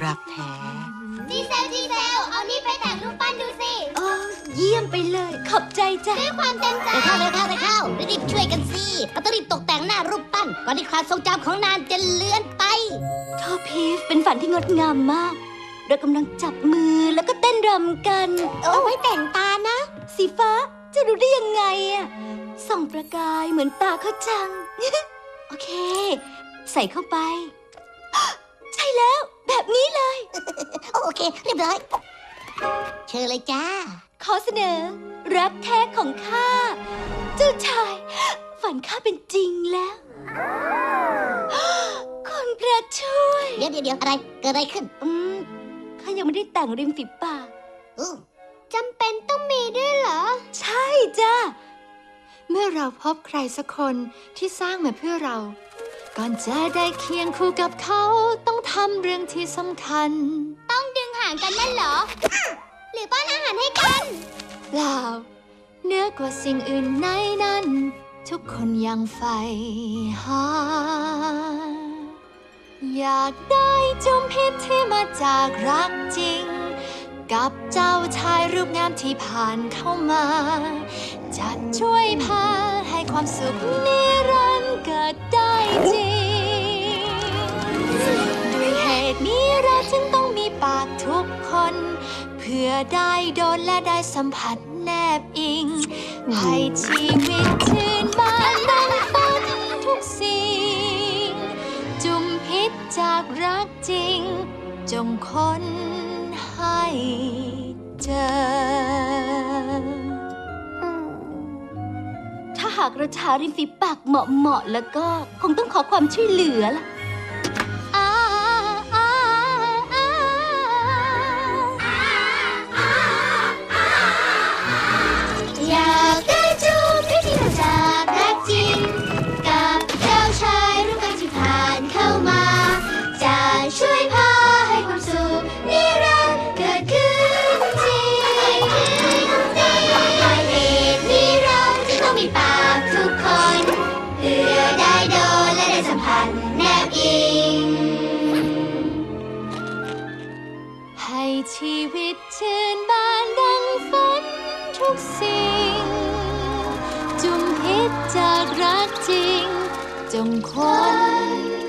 รักแท้ดีเซลเอานี่ไปแต่งรูปปั้นดูสิโอ้เยี่ยมไปเลยขอบใจจ้ะด้วยความเต็มใจเร็วเข้ารีบช่วยกันสิเราต้องรีบตกแต่งหน้ารูปปั้นก่อนที่ความทรงจำของนานจะเลือนไปโทพีฟเป็นฝันที่งดงามมากเรากำลังจับมือแล้วก็เต้นรำกันเอาไว้แต่งตานะ สีฟ้าจะรู้ได้ยังไงอะส่องประกายเหมือนตาเขาจัง โอเค ใส่เข้าไป ใช่แล้วแบบนี้เลยโอเคเรียบร้อยเชิญเลยจ้าขอเสนอ รักแท้ของข้าเจ้าชาย ฝันข้าเป็นจริงแล้ว คุณพระช่วยเดี๋ยวอะไรเกิดอะไรขึ้นข้ายังไม่ได้แต่งริมฝีปากจำเป็นต้องมีด้วยเหรอใช่จ้าเมื่อเราพบใครสักคนที่สร้างมาเพื่อเรา ก่อนจะได้เคียงคู่กับเขาต้องทำเรื่องที่สำคัญต้องดึงห่างกันนั่นเหรอ หรือป้อนอาหารให้กันเปล่าเหนือกว่าสิ่งอื่นในนั้น ทุกคนยังใฝ่หา อยากได้จุมพิษที่มาจากรักจริง กับเจ้าชายรูปงามที่ผ่านเข้ามา จะช่วยพาให้ความสุขนิรันดร์เกิดได้จริง ด้วยเหตุนี้เราจึงต้องมีปากทุกคน เพื่อได้โดนและได้สัมผัสแนบอิง ให้ชีวิตชื่นบานดังฝันทุกสิ่ง จุมพิษจากรักจริง จงค้นให้เจอถ้าหากเราทาริมฝีปากเหมาะๆแล้วก็คงต้องขอความช่วยเหลือล่ะอยากได้จูบพิธีมาจากรักจริง กับเจ้าชายรูปงามที่ผ่านเข้ามา จะช่วยพาให้ความสุขนิรันดร์เกิดขึ้นจริงด้วยเหตุนี้เราจึงต้องมีปากทุกคน เพื่อได้โดนและได้สัมผัสแนบอิงให้ชีวิตชื่นบานดังฝันทุกสิ่ง จุมพิษจากรักจริง จงค้น